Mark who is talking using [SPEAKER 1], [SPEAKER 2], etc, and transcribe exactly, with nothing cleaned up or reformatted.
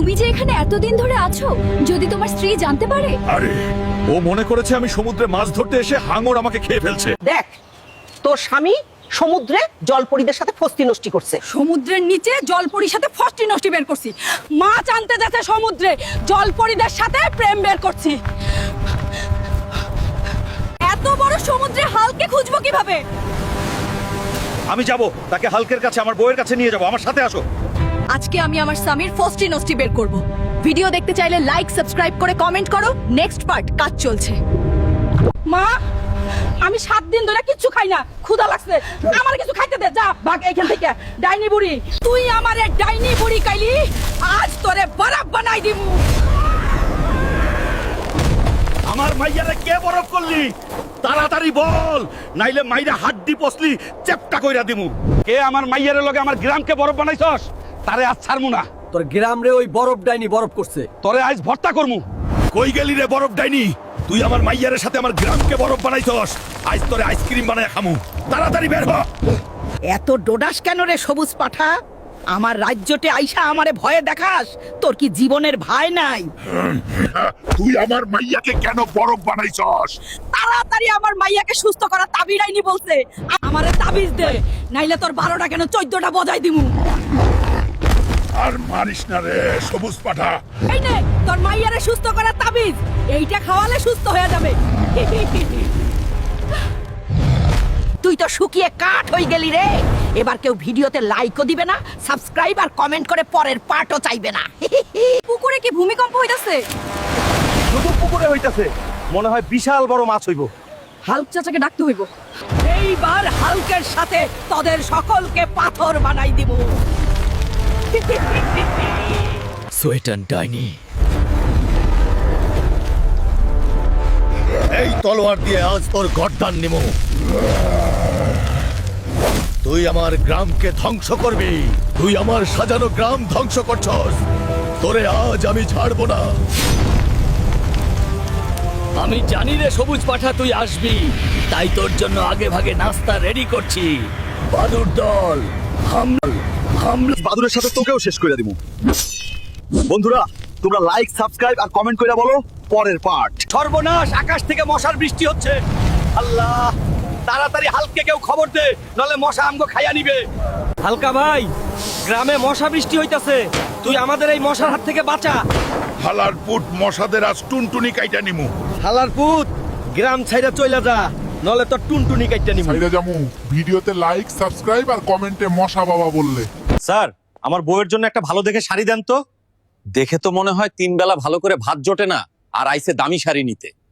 [SPEAKER 1] তুমি যে এখানে এতদিন ধরে আছো, যদি তোমার স্ত্রী জানতে পারে?
[SPEAKER 2] আরে ও মনে করেছে আমি সমুদ্রে মাছ ধরতে এসে হাঙর আমাকে খেয়ে ফেলছে।
[SPEAKER 3] দেখ, তোর স্বামী সমুদ্রে জলপরীদের সাথে ফস্তি নষ্টি করছে।
[SPEAKER 4] সমুদ্রের নিচে জলপরীর সাথে ফষ্টি নষ্টি বের করছি, মাছ আনতে যাচ্ছে সমুদ্রে, জলপরীদের সাথে প্রেম বের করছি। এত বড় সমুদ্রে হালকে খুঁজবো কিভাবে?
[SPEAKER 2] আমি যাব, তাকে হালকের কাছে, আমার বউয়ের কাছে নিয়ে যাব। আমার সাথে আসো।
[SPEAKER 4] আজকে আমি আমার স্বামীর ফষ্টি নষ্টি বের করব। ভিডিও দেখতে চাইলে লাইক সাবস্ক্রাইব করে কমেন্ট করো। নেক্সট পার্ট কাজ চলছে। মা, আমি সাত দিন ধরে কিচ্ছু খাই না, ক্ষুধা লাগছে, আমার কিছু খাইতে দে। যা ভাগ এইখান থেকে। ডাইনি বুড়ি, তুই আমারে ডাইনি বুড়ি কাইলি, আজ তোরে বরফ বানাই দিমু।
[SPEAKER 2] আমার মাইয়ারে কে বরফ করলি? তাড়াতাড়ি বল, নাইলে মাইরা হাড্ডি পসলি চেপটা কইরা দিমু। কে আমার মাইয়ারে লগে আমার গ্রামকে বরফ বানাইছস? তারে আজ ছাড়মু না।
[SPEAKER 5] তোর গ্রাম রে ওই বরফ ডাইনি বরফ করছে।
[SPEAKER 2] তোরে আজ ভর্তা করমু। কই গেলি রে বরফ ডাইনি? তুই আমার মাইয়ারের সাথে আমার গ্রামকে বরফ বানাইছস, আজ তোরে আইসক্রিম বানায় খামু। তাড়াতাড়ি বের হ।
[SPEAKER 3] এত ডোডাস কেন রে সবুজ পাঠা? আমার রাজ্যতে আইসা আমারে ভয়ে দেখাস? তোর কি জীবনের ভয় নাই?
[SPEAKER 2] তুই আমার মাইয়াকে কেন বরফ বানাইছস?
[SPEAKER 4] তাড়াতাড়ি আমার মাইয়াকে সুস্থ করা তাবিজ ডাইনি বলছে। আমারে তাবিজ দে, নাইলে তোর বারোটা কেন চোদ্দটা বজাই দিমু।
[SPEAKER 2] আর মারিস না রে সবুজ পাঠা।
[SPEAKER 4] এই নে তোর মাইয়ারে সুস্থ করা তাবিজ, এইটা খাওয়ালে সুস্থ হয়ে যাবে।
[SPEAKER 3] তুই তো শুকিয়ে কাঠ হয়ে গেলি রে। এবার কেউ ভিডিওতে লাইকও দিবে না, সাবস্ক্রাইব আর কমেন্ট করে পরের পার্টও চাইবে না।
[SPEAKER 4] পুকুরে কি ভূমিকম্প হইতাছে?
[SPEAKER 5] শুধু পুকুরে হইতাছে, মনে হয় বিশাল বড় মাছ হইব।
[SPEAKER 4] হাল্ক চাচাকে ডাকতে হইব।
[SPEAKER 3] এইবার হালকের সাথে তোদের সকলকে পাথর বানাই দিব।
[SPEAKER 5] সোয়েটান ডাইনি,
[SPEAKER 2] এই তলোয়ার দিয়ে আজ তোর গর্দান নিমু। তুই আমার গ্রামকে ধ্বংস করবি। তুই আমার সাজানো গ্রাম ধ্বংস করছস। তোরে আজ আমি ছাড়বো না।
[SPEAKER 5] আমি জানি রে সবুজ পাঠা তুই আসবি, তাই তোর জন্য আগে ভাগে নাস্তা রেডি করছি। বাদুর দল হামলা হামলা।
[SPEAKER 2] বাদুরের সাথে তোকেও শেষ করে দিমু। বন্ধুরা, তোমরা লাইক, সাবস্ক্রাইব আর কমেন্ট করে বলো পরের পার্ট।
[SPEAKER 5] সর্বনাশ, আকাশ থেকে মশার বৃষ্টি হচ্ছে। আল্লাহ, তাড়াতাড়ি হালকে কেউ খবর দে, নলে মশা আমগো খাইয়া নিবে। হালকা ভাই, গ্রামে মশা বৃষ্টি হইতাছে, তুই আমাদের এই মশার হাত থেকে বাঁচা।
[SPEAKER 2] হালার পুট মশাদের আজ টুনটুনি কাইটা নিমু।
[SPEAKER 5] হালার পুত, গ্রাম ছাইরা চইলা যা, নলে তোর টুনটুনি কাইটা নিমু।
[SPEAKER 6] সাইরা জামু। ভিডিওতে লাইক, সাবস্ক্রাইব আর কমেন্টে মশা বাবা বললে।
[SPEAKER 7] স্যার, আমার বউয়ের জন্য একটা ভালো দেখে শাড়ি দেন তো। দেখে তো মনে হয় তিন বেলা ভালো করে ভাত জোটে না, আর আইসে দামি শাড়ি নিতে।